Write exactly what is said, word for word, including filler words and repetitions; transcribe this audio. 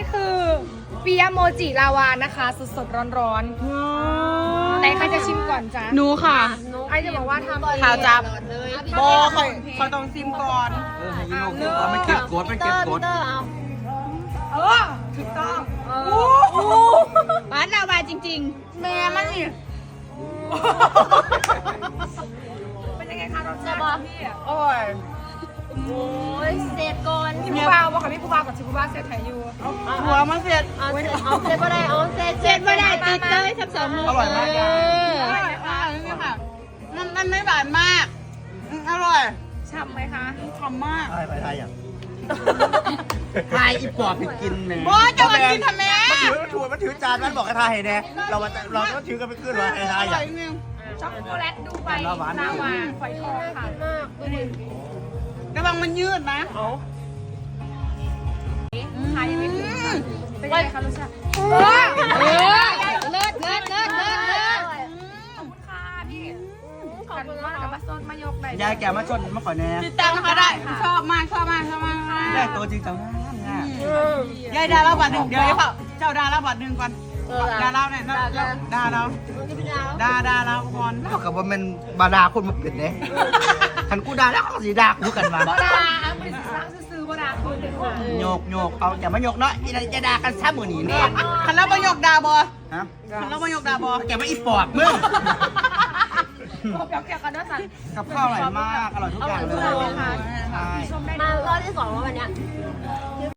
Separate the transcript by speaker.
Speaker 1: คือปิยะโมจิลาวานะคะสดสดร้อนร้อนๆไหนใครจะชิมก่อนจ้ะ
Speaker 2: หนูค่ะ
Speaker 1: ไอจะบอกว่าทำเอง
Speaker 2: ข่าวจับโบคอยคอยต้องซิมก่อน
Speaker 3: เออให้ยูโน่เอาไม่เก็บกดไม่เก็บกด
Speaker 1: เออถูกต้องเออ
Speaker 2: บ้านเรามาจริง
Speaker 1: แม่มันนี่เป็นยังไงคะรสชาติพี่
Speaker 2: ๆ โอ้ย
Speaker 4: โอ้ยเสร็จก่อน
Speaker 1: พี่ผู้บ่าวบอกค่ะพี่ผู้บ่าวกับชิผู้บ่าวเสียไทยอยู่
Speaker 2: หัวมันเสร็จ
Speaker 4: เอาเสร็จเอาเสร็จก็ได้เอาเสร็จ
Speaker 2: เสร็จไม่ได้ติดเลยทั้งสองมือ
Speaker 3: อร่อยมาก
Speaker 2: เออนี่ค่ะมันมันไม่หวานมากอืมอร่อย
Speaker 1: ช่ำไหมคะ
Speaker 2: หอมมาก
Speaker 3: ไทยไปไทยอ่ะไทยอีปอบไปกินแหม่
Speaker 2: โบจะมากินทำไม
Speaker 3: มันถือมันถือมันถือจานมันบอกให้ไทยแน่เรามาเราก็ถือกันไปขึ้นว่าไอ้ไทย
Speaker 2: อร่
Speaker 3: อ่ะ
Speaker 2: อยจริง
Speaker 1: ช็อกโกแลตดูใบ
Speaker 3: แต่ละหวาน
Speaker 1: ลาวาฝอยทองค่ะ
Speaker 4: มากดูดิ
Speaker 2: ระวังมันยืดนะ
Speaker 1: ขายยังไม่ถึงค่ะเป็นยังไงคะรสชาติ
Speaker 2: เออเลิศเลิศเลิศเลิศเลิศ
Speaker 1: ขอบคุณค่ะพี่ขอบคุณมากกับมาส้นมายกใบ
Speaker 3: ยายแกมาชนมาขอแน่
Speaker 2: ติดตามนะคะได้ชอบมากชอบมากชอบมากค่ะ
Speaker 3: ได้ตัวจริงจังง่ายง่าย
Speaker 2: ยายดาราบัตรหนึ่งเดี๋ยวเปล่าเจ้าดาราบัตรหนึ่งก่อนดาราเนี่ยดาราดาดาราก่อน
Speaker 3: เท่ากับว่ามันบาดาคนมาเปลี่ยนเนี่ยขันกูด่าแล้วเขาสีด่ากูกันมา
Speaker 1: บดาบริษัทซื้อบดาคุณเด็กคน
Speaker 3: โยกโยกเอาอย่ามาโยกเนาะอีนั่นจะด่ากันซ้ำมือหนีเนี่ย
Speaker 2: คันเราประโยคดาบอ
Speaker 3: ฮะ
Speaker 2: คันเราประโยคดาบอ
Speaker 3: แกมาอีปอบมึง
Speaker 1: เกี่ยวเกี่ยวกันด้วยสัน
Speaker 3: กับข้าวอร่อยมากอร่อยทุกอย่างเลยใช่
Speaker 1: ชมได้
Speaker 4: มารอบที่สองแล้ววันเนี้ย